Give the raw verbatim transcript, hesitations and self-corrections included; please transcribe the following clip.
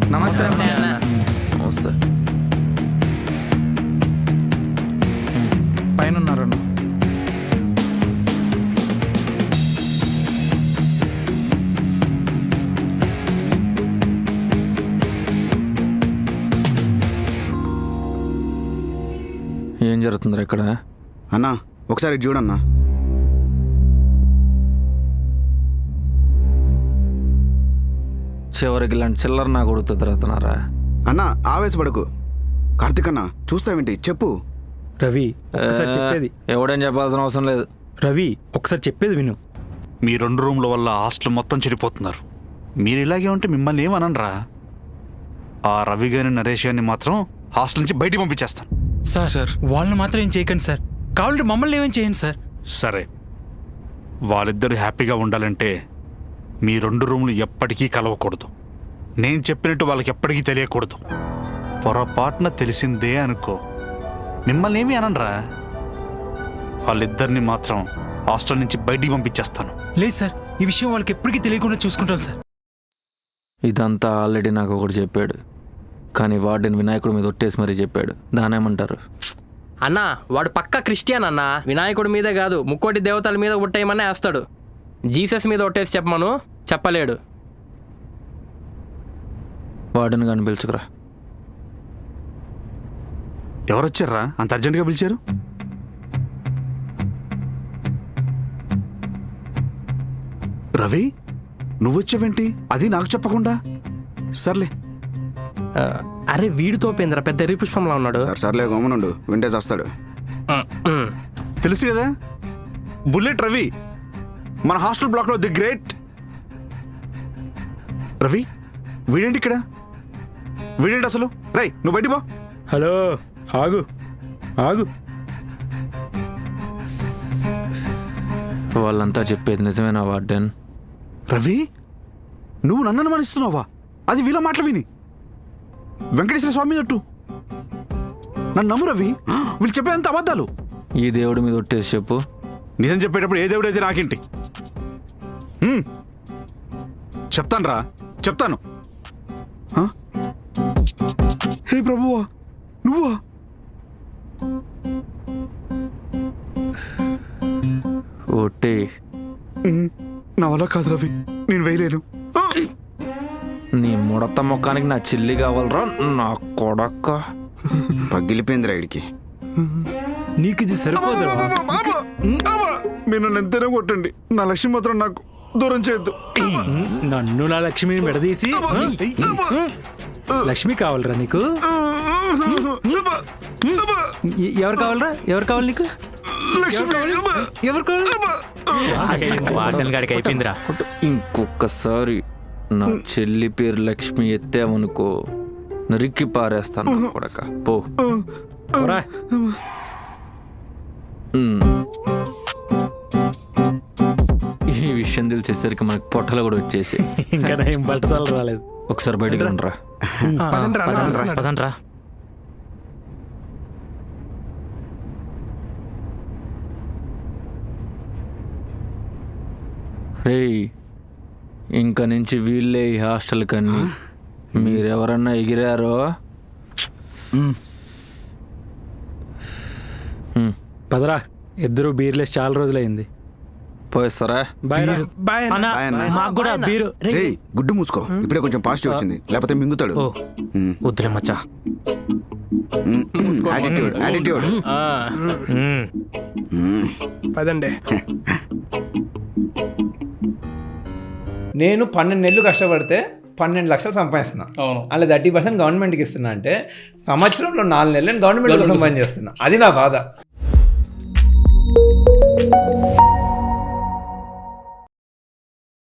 నమస్తే అన్న. నమస్తే పైన ఉన్నారన్న. ఏం జరుగుతుందిరా ఇక్కడ? అన్నా ఒకసారి ఇటు చూడన్నా. చివరికి ఇలాంటి చిల్లర నా కొడుకు తిరుగుతున్నారా? అన్నా ఆవేశపడకు. కార్తిక్ అన్నా చూస్తావేంటి చెప్పు. రవి ఒకసారి చెప్పేది. ఎవడేం చెప్పాల్సిన అవసరం లేదు. రవి ఒకసారి చెప్పేది విను. మీ రెండు రూమ్ల వల్ల హాస్టల్ మొత్తం చెడిపోతున్నారు. మీరు ఇలాగే ఉంటే మిమ్మల్ని ఏమనరా? ఆ రవి గారిని నరేష్ గారిని మాత్రం హాస్టల్ నుంచి బయటికి పంపించేస్తాను. సార్ సార్ వాళ్ళని మాత్రం ఏం చేయకండి సార్. కావాలంటే మమ్మల్ని ఏమేం చేయండి సార్. సరే, వాళ్ళిద్దరు హ్యాపీగా ఉండాలంటే మీ రెండు రూములు ఎప్పటికీ కలవకూడదు. నేను చెప్పినట్టు వాళ్ళకి ఎప్పటికీ తెలియకూడదు. పొరపాటున తెలిసిందే అనుకో, మిమ్మల్ని ఏమీ అనరా. వాళ్ళిద్దరిని మాత్రం హాస్టల్ నుంచి బయటికి పంపించేస్తాను. లేదు సార్, ఈ విషయం వాళ్ళకి ఎప్పటికీ తెలియకుండా చూసుకుంటాం సార్. ఇదంతా ఆల్రెడీ నాకు ఒకటి చెప్పాడు, కానీ వాడిని వినాయకుడి మీద ఒట్టేసి మరీ చెప్పాడు. దానేమంటారు? అన్నా వాడు పక్కా క్రిస్టియన్ అన్నా. వినాయకుడి మీదే కాదు ముక్కోటి దేవతల మీద ఒట్టేయమనే వేస్తాడు. జీసస్ మీద ఒట్టేసి చెప్పమను, చెప్పలేడు. వాడిని కానీ పిలుచుకురా. ఎవరొచ్చారా అంత అర్జెంటుగా పిలిచారు? రవి నువ్వొచ్చావేంటి? అది నాకు చెప్పకుండా. సర్లే. ఆ, అరే వీడితో పేంద్ర పెద్ద ఎర్రి పుష్పంలా ఉన్నాడు. సరే సర్లే గమనుండు, వింటే వస్తాడు. ఉమ్. తెలుసు కదా, బుల్లెట్ రవి, మన హాస్టల్ బ్లాక్లో ది గ్రేట్ రవి. వీడేంటి ఇక్కడ? వీడేంటి అసలు? రై నువ్వు బయటికి పో. హలో ఆగు ఆగు. వాళ్ళంతా చెప్పేది నిజమేనా వార్డెన్? రవి నువ్వు నన్ను అనుమానిస్తున్నావా? అది వీళ్ళ మాటలు విని వెంకటేశ్వర స్వామి అట్టు నన్ను నమ్ము రవి. వీళ్ళు చెప్పేంత అబద్ధాలు. ఈ దేవుడి మీద ఒట్టేసి చెప్పు. నిజం చెప్పేటప్పుడు ఏ దేవుడైతే నాకేంటి? హ్మ్. చెప్తాను రా, చెప్తాను. హ? హే ప్రభువా, నువ్వా? ఒట్టే. హ్మ్. నా వల్ల కాదు రవి, నేను వేయలేను. ఆ! నీ ముడత ముఖానికి నా చెల్లి కావాలరా నా కొడక్క. పగిలిపోయిందిరా ఇడికి. నీకు ఇది సరిపోదురా. మీరు నన్ను ఎంతైనా కొట్టండి, నా లక్ష్యం మాత్రం నాకు దూరం చేయొద్దు. నన్ను నా లక్ష్మిని విడదీసి లక్ష్మి కావాలరా నీకు? ఎ- ఎవరు కావాలరా? ఎవరు కావాలి నీకు? ఎవరు కావాలి? వార్డెన్ గాడికి అయిపోయిందిరా. ఇంకొకసారి నా చెల్లి పేరు లక్ష్మి ఎత్తావనుకో నరికి పారేస్తాను నా కొడక. పో. పోరా. ఉమ్. ఈ విషయం తెలిసేసరికి మనకి పొట్టలు కూడా వచ్చేసి ఇంకా నా ఏం బట్టతలు రాలేదు. ఒకసారి బయటికి రండిరా. పదండ్రా. రేయ్, ఇంక నుంచి వీళ్ళే ఈ హాస్టల్ కన్నీ. మీరెవరన్నా ఎగిరారో ఉమ్, పదరా, ఇద్దరు బీర్లేసి చాలా రోజులైంది. పోయిస్తారా? బాయ్ రా. బాయ్ అన్నా. మాకు కూడా బీరు. రేయ్ గుడ్డు మూసుకో, ఇప్పుడే కొంచెం పాజిటివ్ వచ్చింది, లేకపోతే మింగుతాడు. ఉమ్. వద్దులే మచ్చా. ఉమ్. Attitude attitude. ఉమ్. పదండి. నేను పన్నెండు నెలలు కష్టపడితే పన్నెండు లక్షలు సంపాదిస్తున్నా. అలా థర్టీ పర్సెంట్ గవర్నమెంట్కి ఇస్తున్నా అంటే సంవత్సరంలో నాలుగు నెలలు నేను గవర్నమెంట్ కోసం పని చేస్తున్నా. అది నా బాధ.